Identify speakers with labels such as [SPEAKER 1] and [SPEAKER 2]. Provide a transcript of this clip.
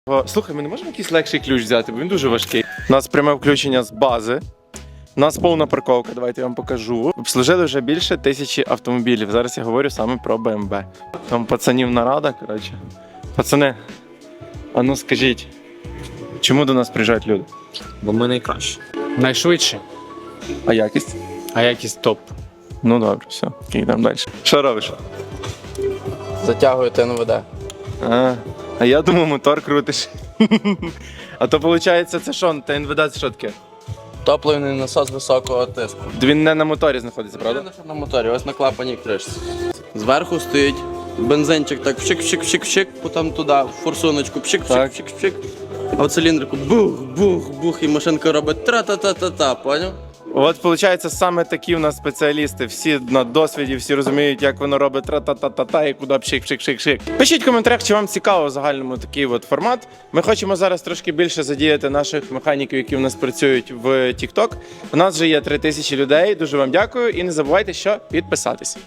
[SPEAKER 1] Слухай, ми не можемо якийсь легший ключ взяти, бо він дуже важкий. У нас пряме включення з бази. У нас повна парковка, давайте я вам покажу. Обслужили вже більше 1000 автомобілів. Зараз я говорю саме про BMW. Там пацанів нарада, коротше. Пацани, а ну скажіть, чому до нас приїжджають люди?
[SPEAKER 2] Бо ми найкращі.
[SPEAKER 3] Найшвидше,
[SPEAKER 1] А якість?
[SPEAKER 3] а якість топ.
[SPEAKER 1] Ну добре, все, йдемо далі. Що робиш?
[SPEAKER 4] Затягую ТНВД.
[SPEAKER 1] А я думав, мотор крутиш. А то виходить, це що? ТНВД це що таке?
[SPEAKER 4] Топливний насос високого тиску.
[SPEAKER 1] Він не на моторі знаходиться, правда?
[SPEAKER 4] На моторі, ось на клапані кришці. Зверху стоїть бензинчик, так пшик-пшик-пшик-пшик, потім туди, в форсуночку, пшик-пшик-пшик-пшик. А в циліндрику бух-бух-бух, і машинка робить тра-та-та-та-та, поняв?
[SPEAKER 1] От, виходить, саме такі в нас спеціалісти. Всі на досвіді, всі розуміють, як воно робить тра-та-та-та-та і куди пшик-пшик-пшик-пшик. Пишіть в коментарях, чи вам цікаво в загальному такий от формат. Ми хочемо зараз трошки більше задіяти наших механіків, які в нас працюють в TikTok. У нас вже є 3000 людей. Дуже вам дякую і не забувайте, що підписатись.